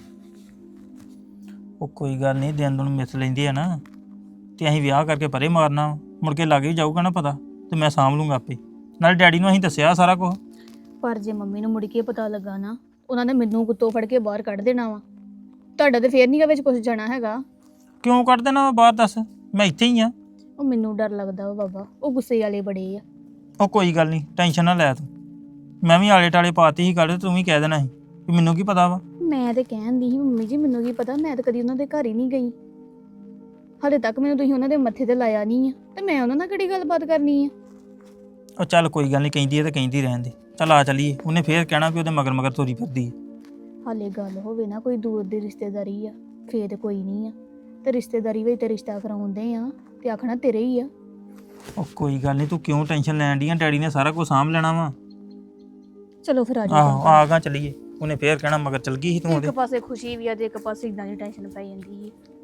[SPEAKER 3] ਉਹ ਕੋਈ ਗੱਲ ਨਹੀਂ, ਦਿਨ ਦੁਨ ਮਿਸ ਲੈਂਦੇ ਆ ਨਾ ਤੇ ਅਸੀਂ ਵਿਆਹ ਕਰਕੇ ਪਰੇ ਮਾਰਨਾ ਵਾ। ਮੁੜ ਕੇ ਲੱਗ ਹੀ ਜਾਊਗਾ ਨਾ ਪਤਾ ਤੇ ਮੈਂ ਸਾਂਭ ਲੂੰਗਾ ਆਪੇ। ਨਾਲ ਡੈਡੀ ਨੂੰ ਅਸੀਂ ਦੱਸਿਆ ਸਾਰਾ ਕੁਝ।
[SPEAKER 8] ਪਰ ਜੇ ਮੰਮੀ ਨੂੰ ਮੁੜ ਕੇ ਪਤਾ ਲੱਗਾ ਨਾ, ਉਹਨਾਂ ਨੇ ਮੈਨੂੰ ਕੁੱਤੋਂ ਫੜ ਕੇ ਬਾਹਰ ਕੱਢ ਦੇਣਾ ਵਾ। ਤੁਹਾਡਾ ਤੇ ਫੇਰ ਨਹੀਂ ਵਿੱਚ ਕੁਝ ਜਾਣਾ ਹੈਗਾ।
[SPEAKER 3] ਕਿਉਂ ਕੱਢ ਦੇਣਾ ਵਾ ਬਾਹਰ, ਦੱਸ? ਮੈਂ ਇੱਥੇ ਹੀ ਆ।
[SPEAKER 8] ਉਹ ਮੈਨੂੰ ਡਰ ਲੱਗਦਾ ਵਾ ਬਾਬਾ। ਉਹ ਗੁੱਸੇ ਵਾਲੇ ਬੜੇ ਆ।
[SPEAKER 3] ਉਹ ਕੋਈ ਗੱਲ ਨਹੀਂ, ਟੈਨਸ਼ਨ ਨਾ ਲੈ ਤੂੰ। ਮੈਂ ਵੀ ਆਲੇ ਟਾਲੇ ਪਾਤੀ ਸੀ ਗੱਲ, ਤੂੰ ਵੀ ਕਹਿ ਦੇਣਾ ਸੀ ਵੀ ਮੈਨੂੰ ਕੀ ਪਤਾ ਵਾ।
[SPEAKER 8] ਮੈਂ ਤੇ ਕਹਿੰਦੀ ਸੀ ਮੰਮੀ ਜੀ ਮੈਨੂੰ ਕੀ ਪਤਾ, ਮੈਂ ਤਾਂ ਕਦੀ ਉਹਨਾਂ ਦੇ ਘਰ ਹੀ ਨਹੀਂ ਗਈ। ਹਾਲੇ ਤੱਕ ਮੈਨੂੰ ਤੁਸੀਂ ਉਹਨਾਂ ਦੇ ਮੱਥੇ ਤੇ ਲਾਇਆ ਨਹੀਂ ਆ ਤੇ ਮੈਂ ਉਹਨਾਂ ਨਾਲ ਕਿਹੜੀ ਗੱਲਬਾਤ ਕਰਨੀ ਆ।
[SPEAKER 3] ਉਹ ਚੱਲ ਕੋਈ ਗੱਲ ਨਹੀਂ, ਕਹਿੰਦੀ ਹੈ ਤਾਂ ਕਹਿੰਦੀ ਰਹਿਣ ਦੇ। ਚੱਲ ਆ ਚੱਲੀਏ। ਉਹਨੇ ਫੇਰ ਕਹਿਣਾ ਵੀ ਉਹਦੇ ਮਗਰ ਮਗਰ ਤੁਰੀ ਫਿਰਦੀ ਹੈ।
[SPEAKER 8] ਹਾਲੇ ਗੱਲ ਹੋਵੇ ਨਾ ਕੋਈ ਦੂਰ ਦੀ ਰਿਸ਼ਤੇਦਾਰੀ ਆ ਫੇਰ ਤੇ ਕੋਈ ਨਹੀਂ ਆ। ਤੇ ਰਿਸ਼ਤੇਦਾਰੀ ਵਿੱਚ ਤੇ ਰਿਸ਼ਤਾ ਕਰਾਉਂਦੇ ਆ ਤੇ ਆਖਣਾ ਤੇਰੇ ਹੀ ਆ।
[SPEAKER 3] ਉਹ ਕੋਈ ਗੱਲ ਨਹੀਂ, ਤੂੰ ਕਿਉਂ ਟੈਨਸ਼ਨ ਲੈਣ ਡਈ ਆ? ਡੈਡੀ ਨੇ ਸਾਰਾ ਕੁਝ ਸਾਂਭ ਲੈਣਾ ਵਾ।
[SPEAKER 8] ਚਲੋ ਫਿਰ ਆ
[SPEAKER 3] ਆਹੋ
[SPEAKER 8] ਜਾਓ।
[SPEAKER 3] ਆ ਗਾ ਚੱਲੀਏ। ਉਹਨੇ ਫੇਰ ਕਹਿਣਾ ਮਗਰ ਚਲ ਗਈ ਸੀ ਤੂੰ
[SPEAKER 8] ਇੱਕ
[SPEAKER 3] ਉਹਦੇ।
[SPEAKER 8] ਪਾਸੇ ਖੁਸ਼ੀ ਵੀ ਆ ਤੇ ਇੱਕ ਪਾਸੇ ਇਦਾਂ ਦੀ ਟੈਨਸ਼ਨ ਪੈ ਜਾਂਦੀ ਹੈ।